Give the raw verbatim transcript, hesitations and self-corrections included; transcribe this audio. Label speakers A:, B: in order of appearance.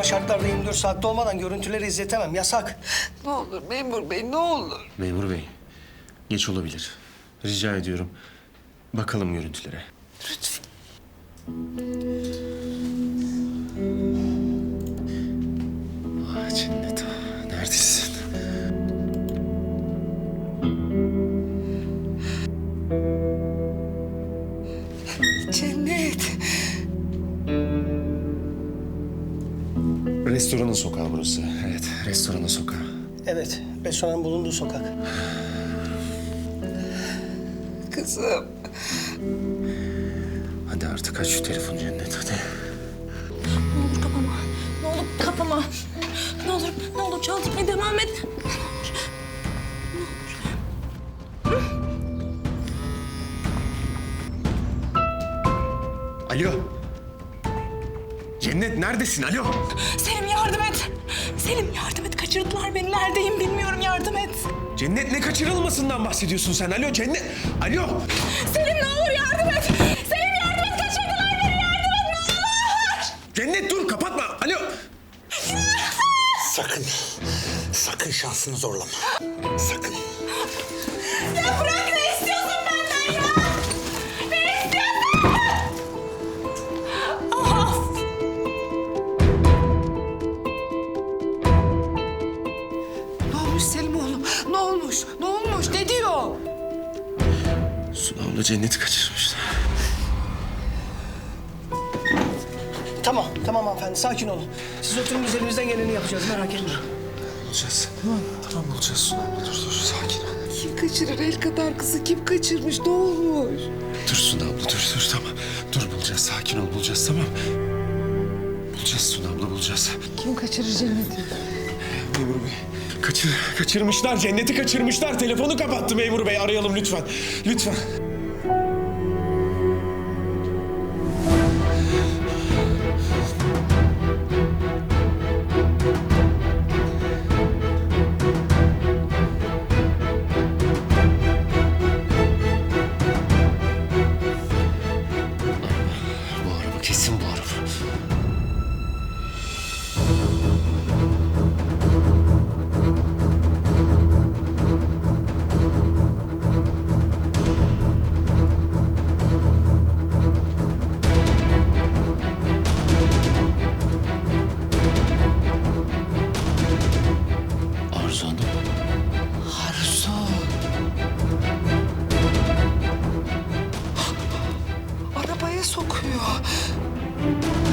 A: şartlarda yirmi dört saatte olmadan görüntüleri izletemem. Yasak.
B: Ne olur memur bey, ne olur.
C: Memur bey, geç olabilir. Rica ediyorum. Bakalım görüntülere.
B: Lütfen.
C: Ah Cennet, neredesin?
B: Cennet.
C: Restoranın sokağı burası. Evet, restoranın sokağı.
A: Evet, restoranın bulunduğu sokak.
B: Kızım.
C: Hadi artık aç şu telefonu Cennet, hadi.
D: Ne olur kapama. Ne olur kapama. Ne olur, ne olur çaldırmaya devam et.
C: Alo. Cennet neredesin? Alo.
D: Selim yardım et. Selim yardım et. Kaçırdılar beni. Neredeyim bilmiyorum. Yardım et.
C: Cennet ne kaçırılmasından bahsediyorsun sen? Alo Cennet. Alo.
D: Selim ne olur yardım et. Selim yardım et. Kaçırdılar beni. Yardım et ne olur.
C: Cennet dur kapatma. Alo.
E: Sakın, sakın şansını zorlama. Sakın.
D: Ya bırak ne istiyorsun benden ya? Ne istiyorsun? Of.
B: Ne olmuş Selim oğlum? Ne olmuş? Ne olmuş? Ne diyor?
C: Suna abla Cennet'i kaçırmışlar.
A: Tamam, tamam hanımefendi. Sakin olun. Siz oturun, biz elimizden geleni yapacağız. Merak etmeyin.
C: Bulacağız. Tamam. Tamam bulacağız Suna abla. Dur dur sakin ol.
B: Kim kaçırır el kadar kızı? Kim kaçırmış? Ne olmuş?
C: Dur Suna abla dur dur tamam. Dur bulacağız sakin ol bulacağız tamam. Bulacağız Suna abla bulacağız.
B: Kim kaçırır Cennet'i?
C: Memur bey. Kaçır, kaçırmışlar Cennet'i kaçırmışlar. Telefonu kapattı memur bey arayalım lütfen. Lütfen. Bu araba kesin bu araba. Arzu Hanım.
B: Arzu. Arabaya sokuyor.